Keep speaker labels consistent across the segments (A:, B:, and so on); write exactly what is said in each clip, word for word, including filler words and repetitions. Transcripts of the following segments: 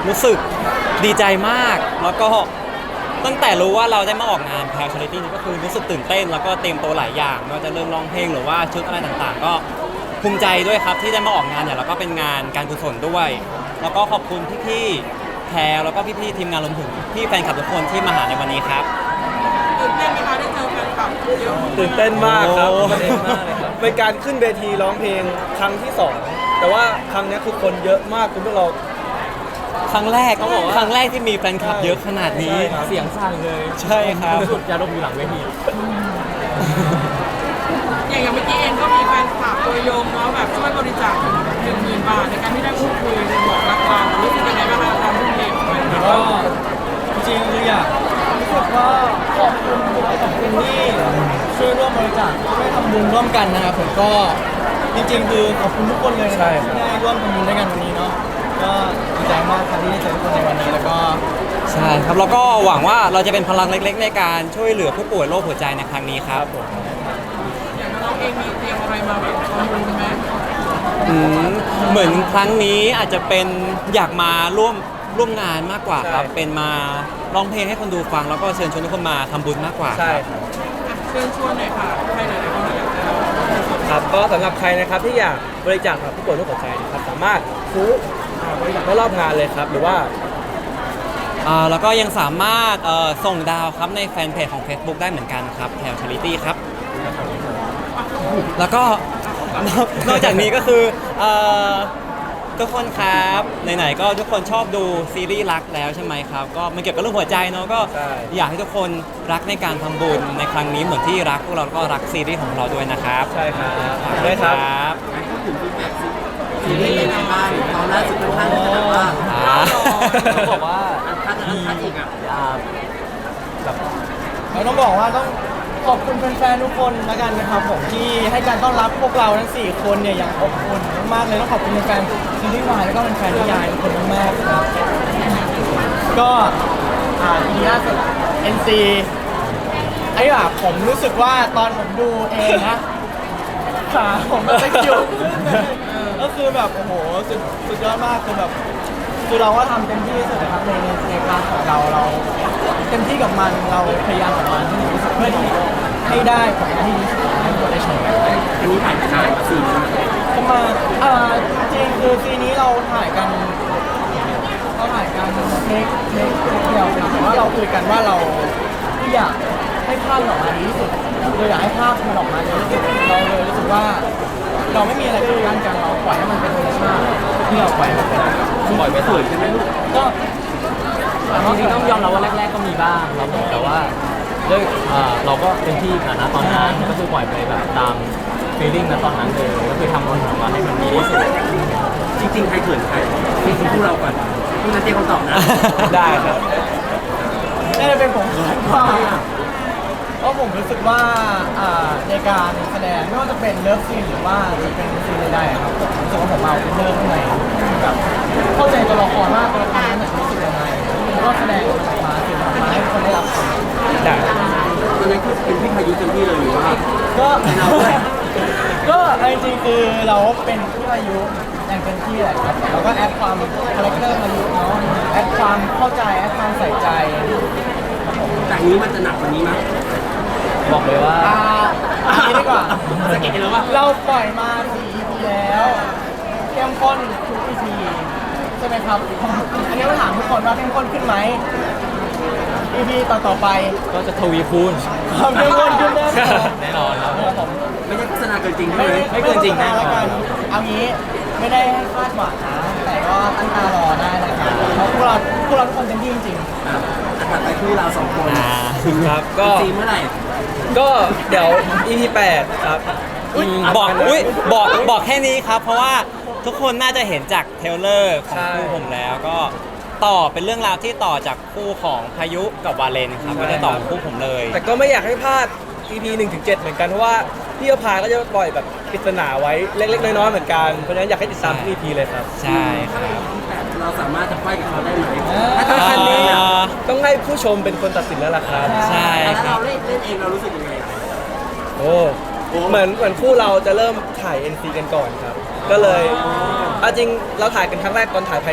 A: รู้สึกดีใจมากแล้วก็ตั้งแต่รู้ว่าเราได้มาออกงานแพลชาริตี้นี่ก็คือรู้สึกตื่นเต้นแล้วก็เตรียมตัวหลายอย่างไม่ว่าจะเริ่มร้องเพลงหรือว่าชุดอะไรต่างๆ ก็ภูมิใจด้วยครับที่ได้มาออกงานเนี่ยแล้วก็เป็นงานการกุศลด้วย แล้วก็ขอบคุณพี่ๆแพรแล้วก็พี่ๆทีมงานรวมถึงพี่แฟนคลับทุกคนที่มาหาในวันนี้ครับ
B: ตื่นเต้นไหมคะได้เจอแฟนคลับเยอะ
C: ตื่นเต้นมากครับ
A: โอ้
C: ตื่นเต้นมากเลยครับเป็นการขึ้นเวทีร้องเพลงครั้งที่สองแต่ว่าครั้งนี้คือคนเยอะมากคุณพวกเรา
A: ครั้งแรก
C: ต้องบอกว่า
A: ครั้งแรกที่มีแฟนคลับเยอะขนาดนี้
C: ใช่ครับ
D: เสียงสั่นเลย
A: ใช่ครับ
D: สุดยาดมอยู่หลังเวที
B: อย่างอย่างเมื่อกี้เองก็มีแฟนคลับตัวยงแล้วแบบช่วยบริจาคหนึ่งหมื่นบาทในการที่ได้พูดคุยบอกรักเรารู้สึกยังไงบ้างคะตอนพูดเพลงของแฟนคลับ
D: ก็จริงๆคืออยากรู้สึกว่าขอบคุณขอบคุณที่ช่วยร่วมบริจาคช่วยทำบุญร่วมกันนะครับผมก็จริงๆคือขอบคุณทุกคนเลยนะครับที่ได้ร่วมทำบุญด้วยกันวันนี้เนาะก็ดีใจมากครับที่ได้เจอทุกคนในวันนี้แล้วก็
A: ใช่ครับแล้วก็หวังว่าเราจะเป็นพลังเล็กๆ ในการช่วยเหลือผู้ป่วยโรคหัวใจในครั้งนี้ครับ
B: อย่างน้องเองมีเตรียมอะไรมาแบบทำบุญไหม
A: อืมเหมือนครั้งนี้อาจจะเป็นอยากมาร่วมร่วมงานมากกว่าครับ
C: ใช่
A: เป็นมาร้องเพลงให้คนดูฟังแล้วก็เชิญชวนทุกคนมาทำบุญมากกว่า
C: ใช่
A: ครับ
C: ครับ
B: เชิญชวนหน่อยค่ะใครหลายๆคนอยากจะ
C: ครับก็สำหรับใครนะครับที่อยากบริจาคกับผู้ป่วยโรคหัวใจนะครับสามารถซื้ออ่าบริจาคได้รอบงานเลยครับหรือว่า
A: อ่าแล้วก็ยังสามารถเอ่อส่งดาวครับในแฟนเพจของ Facebook ได้เหมือนกันครับแถวชาริตี้ครับ แล้วก็นอกนอกจากนี้ก็คือเอ่อทุกคนครับไหนๆก็ทุกคนชอบดูซีรีส์รักแล้วใช่ไหมครับก็มันเกี่ยวกับเรื่องหัวใจเนาะก็
C: ใช่
A: อยากให้ทุกคนรักในการทำบุญในครั้งนี้เหมือนที่รักพวกเราก็รักซีรีส์ของเราด้วยนะครับ
C: ใช่ครับได้ครับ
A: บ
E: ซีรีส์เป็นไงบ้างตอนล่าสุดค่อนข้างจะแบบว่า
A: อ่า
D: ต้องบอกว่า
E: ถ้าจะถ้าอีกอ่ะ
D: อ่าแบบเราต้องบอกว่าต้องขอบคุณแฟนๆทุกคนแล้วกันนะครับผมที่ให้การต้อนรับพวกเราทั้งสี่คนเนี่ยอย่างอบอุ่นมากๆเลยต้องขอบคุณแฟนๆซีรีส์วายแล้วก็แฟนๆนิยายทุกคนมากๆครับก็อ่าทีล่าสุด เอ็น ซี ไอ้แบบผมรู้สึกว่าตอนผมดูเองนะขาผมมันตะคริวขึ้นเลยก็คือแบบโอ้โหสุดสุดยอดมากคือแบบคือเราก็ทำเต็มที่ที่สุดนะครับในในในพาร์ทของเราเราเต็มที่กับมันเราพยายามกับมันที่ดีที่สุดเพื่อที่ให้ได้ผลงานที่ดีที่สุดให้ทุกคนได้ชมกัน
E: อันนี้ถ่ายถ่ายมาสี่ปี
D: ก็มาอ่าจริงคือซีนี้เราถ่ายกันเราถ่ายกันเทคเทคเทคเดียวแต่ว่าเราคุยกันว่าเราที่อยากให้ภาพมันออกมาดีที่สุดเราอยากให้ภาพมันออกมาดีที่สุดเราเลยรู้สึกว่า เราไม่มีอะไรปิดกั้นกันเราปล่อยให้มันเป็นธรรมชาติที่เราปล่อยให้มันเป็นปล่อยไปสวยใช่ไหมลูกก็จริงๆต้องยอมรับว่าแรก ๆก็มีบ้างครับผมแต่ว่าด้วยอ่าเราก็เต็มที่กับนะตอนนั้นก็คือปล่อยไปแบบตามฟีลลิ่งนะตอนนั้นเลยก็คือทำมันออกมาให้มันดีที่สุด
E: จริงๆใครเขินใครจริงๆพวกเราก่อนพี่นัทเตรียมคำตอบนะ
C: ได้ครับ
D: น่าจะเป็นผมมากกว่าเพราะผมรู้สึกว่าอ่าในการแสดงไม่ว่าจะเป็นเลิฟซีนหรือว่าจะเป็นซีนใดๆครับผมรู้สึกว่าผมเอาเป็นเลิฟข้างในแบบเข้าใจตัวละครมากตัวละครนั้นน่ะรู้สึกยังไงแล้วก็แสดงออกมาสื่อออกมาให้คนได้รับชม
C: ได้
E: ตอนนั้นคือเป็นพี่พายุเต็มที่เลยหรือว่า
D: ก็ก็เอาจริงๆคือเราเป็นที่อายุอย่างเต็มที่แหละครับเราก็แอดความคาแรคเตอร์มาอยู่เนาะแอดความเข้าใจแอดความใส่ใจ
E: จากนี้มันจะหนักกว่านี้มั้ย
D: บอกเลยว่าอ่าอันนี้ดีกว่า
E: สะกิดเลยว่า
D: เราปล่อยมาสี่ อี พี แล้วเข้มข้นทุก อี พี ใช่ไหมครับ อันนี้เราถามทุกคนว่าเข้มข้นขึ้นไหม อี พี ต่อต่อๆไป
A: ก็จะทวีคูณ
D: ความเข้มข้นขึ้นแน่นอน
A: แน่นอนครับ
D: ครับผม
E: ไม่ใช่โฆษณาเกินจริงใช่
D: ไม่
E: ไหม
D: ไม่เกินจริงแน่นอนเอางี้ไม่ได้ให้คาดหวังนะ แต่ก็ตั้งตารอได้นะครับเพราะพวกเราพวกเราทุกคนเต็มที่จริงๆ
E: อ่ะถัดไปคู่เราสองคน
A: อ่า
C: ครับก็
E: จริงเมื่อไหร่
C: ก็เดี๋ยว อี พี แปดครับ
A: อืมบอกอุ้ยบอกบอกแค่นี้ครับ เพราะว่าทุกคนน่าจะเห็นจากเทรลเลอร์ของ
C: ใช่
A: คู่ผมแล้วก็ต่อเป็นเรื่องราวที่ต่อจากคู่ของพายุกับวาเลนครับก็จะต่อของคู่ผมเลย
C: แต่ก็ไม่อยากให้พลาด อี พี หนึ่งถึงเจ็ดเหมือนกันเพราะว่าพี่อภาก็จะปล่อยแบบปริศนาไว้เล็กๆน้อยๆเหมือนกันเพราะฉะนั้นอยากให้ติดตามทุก อี พี เลยครับ
A: ใช่ครับ
E: เราสามารถจะไฟกับเขาได้ไหม
D: เออ
E: ถ้าขั้นนี้อ่ะ
A: อ่า
C: ต้องให้ผู้ชมเป็นคนตัดสินแล้วล่ะครับ
A: ใช่
E: แล้ว
A: ครั
E: เรา
A: บ
E: เล่นเล่นเองเรารู้สึกยังไงอ่ะ
C: โอ้เหมือนเหมือนคู่เราจะเริ่มถ่าย เอ็น ซี กันก่อนครับ ก็เลยเอาจริงเราถ่ายกันครั้งแรกตอนถ่ายไพลอต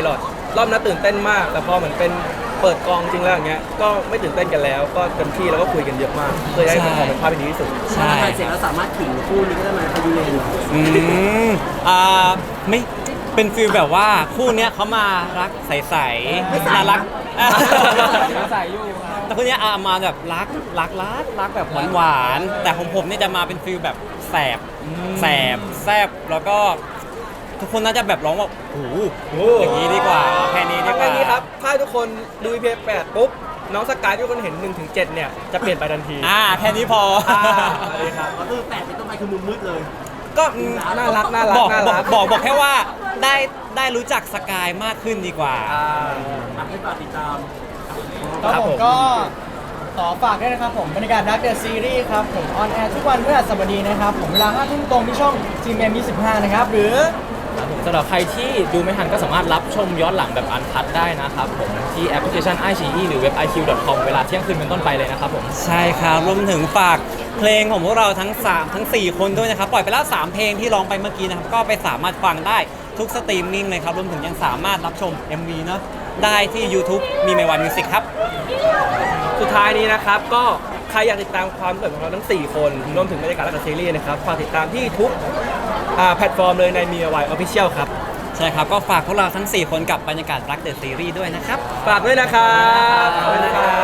C: รอบนั้นตื่นเต้นมาก แต่พอเหมือนเป็นเปิดกองจริงแล้วอย่างเงี้ยก็ไม่ตื่นเต้นกันแล้ว ก็เต็มที่แล้วก็คุยกันเยอะมากเพื่อให้มันออกเป็นภาพที่ดีที่สุด
A: ใช่
E: ถ้าถ่ายเสร็จแล้วสามารถขิงคู่นี้ก็ได้มาพยูเรน
A: อืมอ่าไม่เป็นฟีลแบบว่าคู่เนี้ยเขามารักใสๆน่ารัก
D: ใส่อยู่ครับ
A: แต่คู่เนี้ยอามาแบบรักรักรักรักแบบหวานๆแต่ของผมเนี่ยจะมาเป็นฟีลแบบแสบแสบแซบแล้วก็ทุกคนน่าจะแบบร้องว่าโอ้โหอย่างนี้ดีกว่าแค่นี้ดี
C: ทาง
A: กว่า
C: ด้านนี้ครับถ้าทุกคนดู อี พี แปดปุ๊บน้องสกายที่ทุกคนเห็นหนึ่งถึงเจ็ดเนี่ยจะเปลี่ยนไปทันที
A: อ่าแค่นี้พอ
C: อ่าสวัสดีครับ
E: ก็คือแปดเป็นต้นไปคือมุมมืดเลย
A: ก็อืม
C: น่ารักน่ารัก
A: บอก
C: น่า
A: บอก
C: รัก
A: บอกบอกแค่ว่าได้ได้รู้จักสกายมากขึ้นดีกว่า
C: อ่า
E: ทำให้ฝากติดตาม
D: ครับ
C: ครับ
D: ผ
C: ผม ม
D: ก็ขอฝากด้วยนะครับผมบรรยากาศดักเดอะซีรีส์ครับผมออนแอร์ทุกวันพฤหัสบดีนะครับผมเวลาห้าทุ่มตรงที่ช่อง จี เอ็ม ยี่สิบห้านะครับหรือ
F: สำหรับใครที่ดูไม่ทันก็สามารถรับชมย้อนหลังแบบอันคัดได้นะครับผมที่แอปพลิเคชัน ไอ ซี อี หรือเว็บ ไอ คิว ดอท คอม เวลาเที่ยงคืนเป็นต้นไปเลยนะครับผม
A: ใช่ครับรวมถึงฝากเพลงของพวกเราทั้งสามทั้งสี่คนด้วยนะครับ ปล่อยไปแล้วสามเพลงที่ร้องไปเมื่อกี้นะครับ ก็ไปสามารถฟังได้ทุกสตรีมมิ่งเลยครับรวมถึงยังสามารถรับชม เอ็ม วี เนอะได้ที่ YouTube มีเมวันมิวสิกครับ
C: สุดท้ายนี้นะครับก็ใครอยากติดตามความเคลื่อนไหวของเราทั้ง สี่ คนรวมถึงบรรยากาศและกับซีรีส์นะครับฝากติดตามที่ทุกอ่าแพลตฟอร์มเลยในมีวายออฟฟิเชียลครับ
A: ใช่ครับ ก็ฝากพวกเราทั้ง สี่ คนกับบรรยากาศรักเดอะซีรีส์ด้วยนะครับ
C: ฝากด้วยนะครับขอบคุณนะครับ